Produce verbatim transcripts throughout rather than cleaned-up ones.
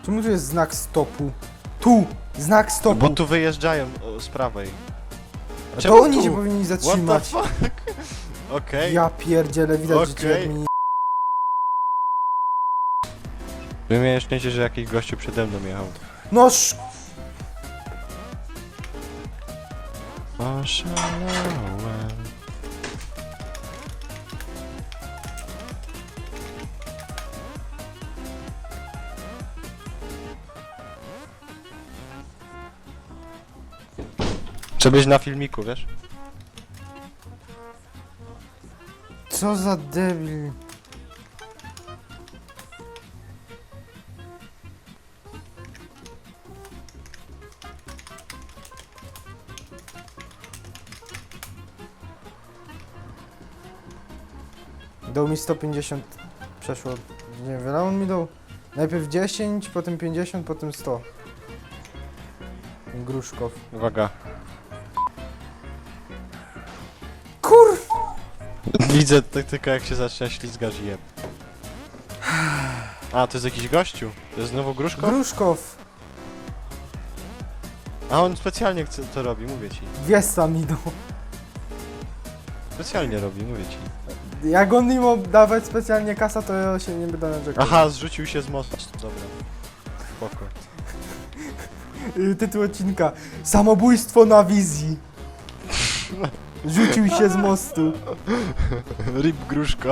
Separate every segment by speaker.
Speaker 1: Czemu tu jest znak stopu? Tu! Znak stopu!
Speaker 2: Bo tu wyjeżdżają o, z prawej.
Speaker 1: A
Speaker 2: Czemu
Speaker 1: to oni
Speaker 2: tu?
Speaker 1: się powinni
Speaker 2: What the
Speaker 1: zatrzymać.
Speaker 2: fuck? Okej.
Speaker 1: Ja pierdzielę, widać, że ci
Speaker 2: Okej.
Speaker 1: admini...
Speaker 2: Wy miałem szczęście, że jakiś gościu przede mną jechał.
Speaker 1: No sz...
Speaker 2: Oszalałem. Chcę być na filmiku, wiesz?
Speaker 1: Co za debil. Dał mi sto pięćdziesiąt, przeszło, nie wiem, wiele on mi dał. Najpierw dziesięć, potem pięćdziesiąt, potem sto. Gruszkow.
Speaker 2: Uwaga.
Speaker 1: Kur...
Speaker 2: Widzę tak tylko jak się zaczyna ślizgać i jeb. A, to jest jakiś gościu. To jest znowu Gruszko?
Speaker 1: Gruszkow.
Speaker 2: A on specjalnie chce, to robi, mówię ci.
Speaker 1: Wiesa mi dał.
Speaker 2: Specjalnie robi, mówię ci.
Speaker 1: Jak on mi ma dawać specjalnie kasa, to ja się nie będę narzekał.
Speaker 2: Aha, zrzucił się z mostu. Dobra. Spoko.
Speaker 1: Y, Tytuł odcinka. Samobójstwo na wizji. Rzucił się z mostu.
Speaker 2: Rip Gruszko.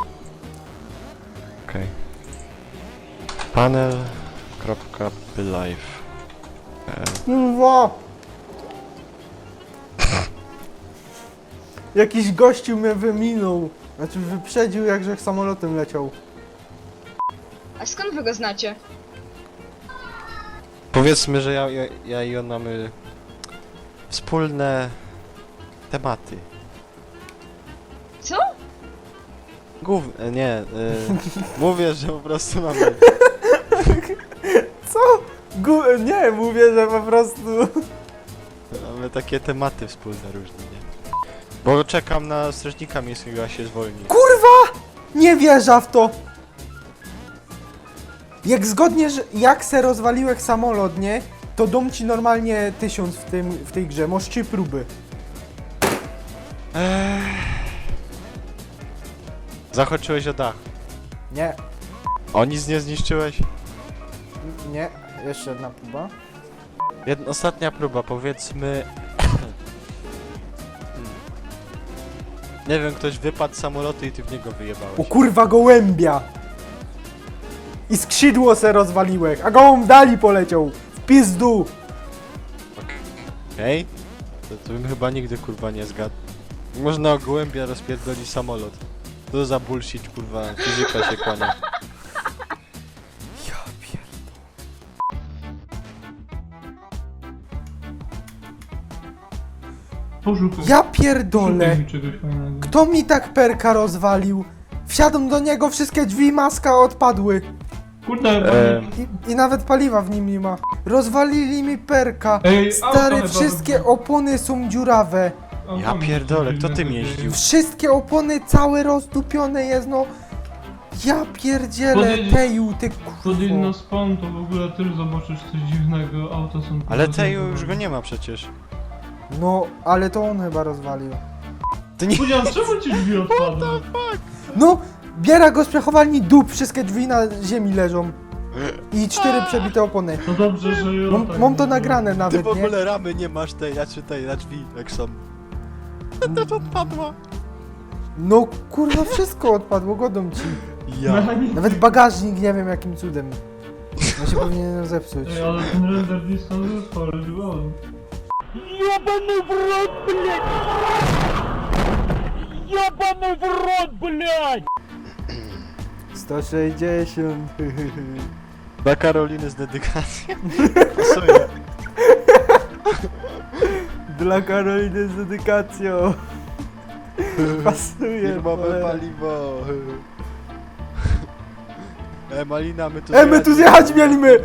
Speaker 2: Okej. Panel. Kropka live.
Speaker 1: Kurwa! Jakiś gościu mnie wyminął. Znaczy wyprzedził, jakże samolotem leciał.
Speaker 3: A skąd wy go znacie?
Speaker 2: Powiedzmy, że ja, ja, ja i on mamy wspólne tematy.
Speaker 3: Co?
Speaker 2: Głów... e, nie, y, mówię, że po prostu mamy...
Speaker 1: Co? Gu nie, mówię, że po prostu...
Speaker 2: Mamy takie tematy wspólne różne, nie? Bo czekam na strażnika miejskiego, a się zwolni.
Speaker 1: Kurwa! Nie wierzę w to! Jak zgodnie, że jak se rozwaliłeś samolot, nie? To dom ci normalnie tysiąc w, tym, w tej grze. Masz trzy próby.
Speaker 2: Eee... Zachoczyłeś o dach.
Speaker 1: Nie,
Speaker 2: O, nic nie zniszczyłeś?
Speaker 1: nie. Jeszcze jedna próba.
Speaker 2: Jedna, ostatnia próba, powiedzmy... Hmm. Nie wiem, ktoś wypadł z samolotu i ty w niego wyjebałeś.
Speaker 1: O kurwa gołębia! I skrzydło se rozwaliłeś, a gołąb dali poleciał. W pizdu!
Speaker 2: Okej? To, to bym chyba nigdy kurwa nie zgadł. Można o gołębia rozpierdolić samolot. To za bullshit kurwa, fizyka się kłania.
Speaker 1: Ja pierdolę.
Speaker 4: Poszukaj.
Speaker 1: Ja pierdolę!
Speaker 4: Szukaj mi czegoś fajnego.
Speaker 1: Kto mi tak perka rozwalił? Wsiadłem do niego, wszystkie drzwi, maska odpadły.
Speaker 4: Kurde,
Speaker 2: Ehm.
Speaker 1: I, I nawet paliwa w nim nie ma. Rozwalili mi perka.
Speaker 4: Ej, auto
Speaker 1: Stary,
Speaker 4: chyba
Speaker 1: wszystkie
Speaker 4: wybuchło.
Speaker 1: opony są dziurawe.
Speaker 2: Ja pierdolę, kto tym jeździł?
Speaker 1: Wszystkie opony całe rozdupione jest, no. Ja pierdzielę,
Speaker 4: Podjedziesz-
Speaker 1: Teju, ty
Speaker 4: Podjedź na
Speaker 1: kurwo.
Speaker 4: spawn, to w ogóle też zobaczysz coś dziwnego, auta są...
Speaker 2: Ale Teju już go nie ma przecież.
Speaker 1: No, ale to on chyba rozwalił.
Speaker 2: Ty nie...
Speaker 4: Powiedziałem, czemu ci drzwi odpadły?
Speaker 1: No, biera go z przechowalni dup, wszystkie drzwi na ziemi leżą. I cztery przebite opony.
Speaker 4: To dobrze, że ja
Speaker 1: Mam,
Speaker 4: tak
Speaker 1: mam to
Speaker 4: nie
Speaker 1: nagrane
Speaker 2: Ty
Speaker 1: nawet,
Speaker 2: w
Speaker 1: nie?
Speaker 2: ogóle ramy nie masz tej, ja czytaj na drzwi, jak są. To też odpadła.
Speaker 1: No kurwa, wszystko odpadło, godą ci.
Speaker 2: Ja.
Speaker 4: Mechanizm-
Speaker 1: Nawet bagażnik, nie wiem jakim cudem. Ja się powinien zepsuć.
Speaker 4: Ej, ale ten render distance jest chory, wow.
Speaker 5: Ёбаный в рот, блядь! Ёбаный в рот, блядь!
Speaker 1: sto sześćdziesiąt.
Speaker 2: Dla Karoliny z dedykacją. Pasuje.
Speaker 1: Dla Karoliny z dedykacją. Pasuje.
Speaker 2: Firmowe
Speaker 1: cholera.
Speaker 2: paliwo. E, Malina, my tu
Speaker 1: E, my tu zjechać mieliśmy!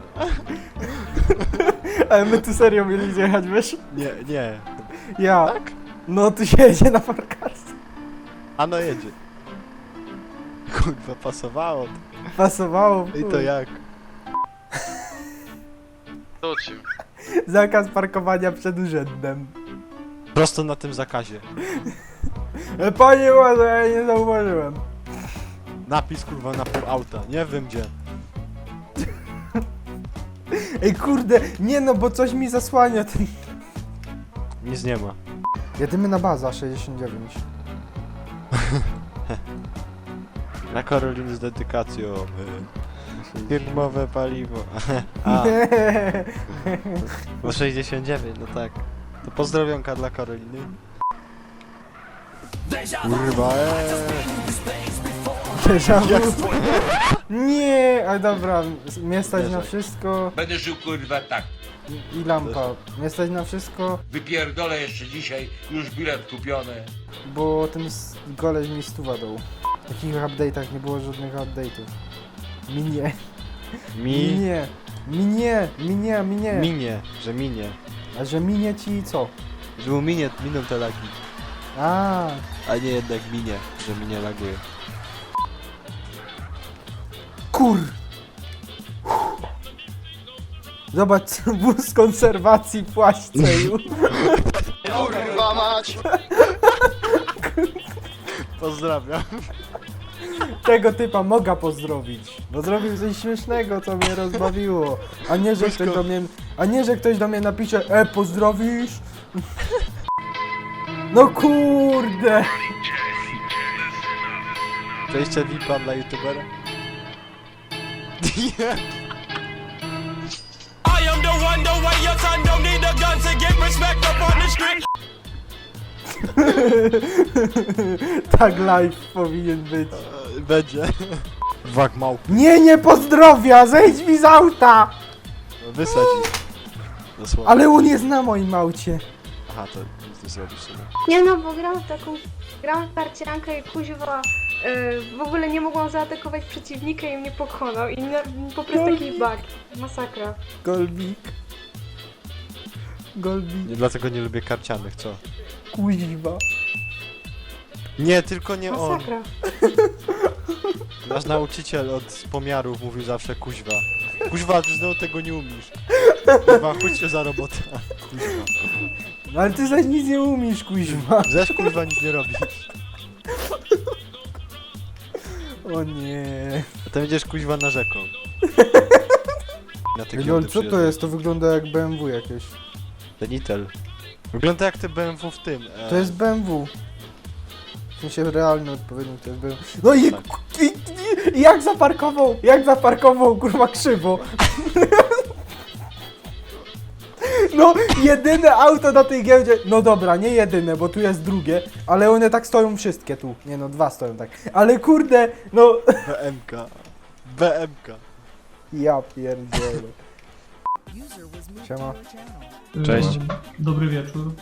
Speaker 1: Ale my tu serio mieli zjechać, wiesz?
Speaker 2: Nie, nie.
Speaker 1: Ja.
Speaker 2: Tak?
Speaker 1: No tu się jedzie na parkarce.
Speaker 2: A no jedzie. Kurwa, pasowało.
Speaker 1: Pasowało. w
Speaker 2: I to
Speaker 1: chuj.
Speaker 2: jak?
Speaker 6: wrócił.
Speaker 1: Zakaz parkowania przed urzędem.
Speaker 2: Prosto na tym zakazie.
Speaker 1: E, Panie Łazo, ja nie zauważyłem.
Speaker 2: Napis kurwa na pół auta, nie wiem gdzie.
Speaker 1: Ej kurde, nie no, bo coś mi zasłania ten...
Speaker 2: Nic nie ma.
Speaker 1: Jedymy na baza sześćdziesiąt dziewięć.
Speaker 2: Na Karoliny z dedykacją. y, Firmowe paliwo. A, bo sześćdziesiąt dziewięć, no tak. To pozdrowionka dla Karoliny. Kurwa, eee.
Speaker 1: Déjà vu. Nie, ale dobra, mnie stać na
Speaker 2: Wierzę.
Speaker 1: wszystko
Speaker 7: Będę żył kurwa tak.
Speaker 1: i lampa. Mnie stać na wszystko,
Speaker 7: Wypierdolę jeszcze dzisiaj, już bilet kupiony.
Speaker 1: bo ten s- goleś mi stuwa dał. W takich update'ach nie było żadnych update'ów. Minie.
Speaker 2: Mi,
Speaker 1: Minie. Minie. Minie, minie.
Speaker 2: minie, że minie.
Speaker 1: A że minie ci co?
Speaker 2: Że mu minie, miną te lagi.
Speaker 1: A,
Speaker 2: A nie jednak minie, że minie laguje.
Speaker 1: kur. Zobacz, wóz konserwacji płaszczeju.
Speaker 6: Kurwa mać!
Speaker 2: Pozdrawiam.
Speaker 1: Tego typa mogę pozdrowić, bo zrobił coś śmiesznego, co mnie rozbawiło. A nie, że ktoś do mnie, a nie, że ktoś do mnie napisze, e, pozdrowisz? No kurde!
Speaker 2: Przejście V I P-a dla youtubera?
Speaker 5: I am the one, the way your son don't need a gun to get respect up on the street.
Speaker 1: Tak live powinien być.
Speaker 2: E, Będzie. Wag małpy.
Speaker 1: Nie, nie pozdrowia, zejdź mi z auta!
Speaker 2: Wysadzi. Dosłownie.
Speaker 1: Ale on jest na moim aucie.
Speaker 2: Aha, to nic nie zrobisz sobie.
Speaker 8: Nie no, bo gram w taką... Gram w parciankę i kuźwa... Yy, w ogóle nie mogłam zaatakować przeciwnika i mnie pokonał i na, po prostu jakiś bug. Masakra.
Speaker 1: Golbik. Golbik,
Speaker 2: Nie, dlatego nie lubię karcianych, co?
Speaker 1: kuźwa.
Speaker 2: Nie, tylko nie on.
Speaker 8: Masakra.
Speaker 2: Nasz nauczyciel od pomiarów mówił zawsze kuźwa. Kuźwa, ty znowu tego nie umiesz. Kuźwa, chodź się za robotę. Kuźwa.
Speaker 1: No ale ty zaś nic nie umiesz, kuźwa.
Speaker 2: Zresztą kuźwa nic nie robisz.
Speaker 1: O nie.
Speaker 2: A ty będziesz kuźwa narzekał. Na te
Speaker 1: Lol,
Speaker 2: giełdy
Speaker 1: co to
Speaker 2: przyjeżdżają.
Speaker 1: jest? To wygląda jak B M W jakieś.
Speaker 2: Benitel. Wygląda jak te B M W w tym. E,
Speaker 1: To jest B M W. W sensie realny odpowiednik to jest B M W. No i,
Speaker 2: Tak.
Speaker 1: i, i jak zaparkował, jak zaparkował, kurwa, krzywo. No, jedyne auto na tej giełdzie, no dobra, nie jedyne, bo tu jest drugie, ale one tak stoją wszystkie tu. Nie no, dwa stoją tak. Ale kurde, no,
Speaker 2: B M K. B M K.
Speaker 1: ja pierdzielę. Siema.
Speaker 2: Cześć.
Speaker 4: Yy, Dobry wieczór.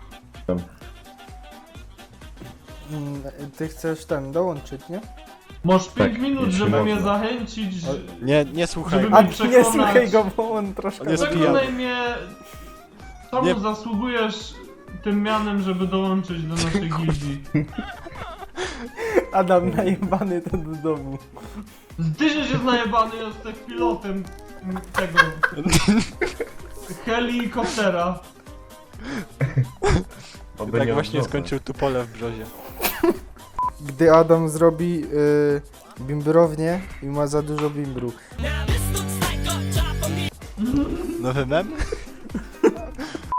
Speaker 1: Mm, Ty chcesz ten dołączyć, nie?
Speaker 4: Masz pięć minut, żeby mnie zachęcić, że...
Speaker 2: Nie, nie słuchaj.
Speaker 4: Żeby
Speaker 1: A
Speaker 4: mnie
Speaker 1: ty nie
Speaker 4: przekonać.
Speaker 1: słuchaj go, bo on troszkę...
Speaker 2: On jest
Speaker 4: Przekonaj
Speaker 2: pijany.
Speaker 4: mnie... Czemu
Speaker 2: Nie-
Speaker 4: zasługujesz tym mianem, żeby dołączyć do naszej gildii?
Speaker 1: Adam najebany to do domu.
Speaker 4: Ty się jest najebany, jesteś pilotem tego... helikoptera.
Speaker 2: I tak właśnie skończył tu pole w brzozie.
Speaker 1: Gdy Adam zrobi y, bimbrownię i ma za dużo bimbru.
Speaker 2: Nowy mem?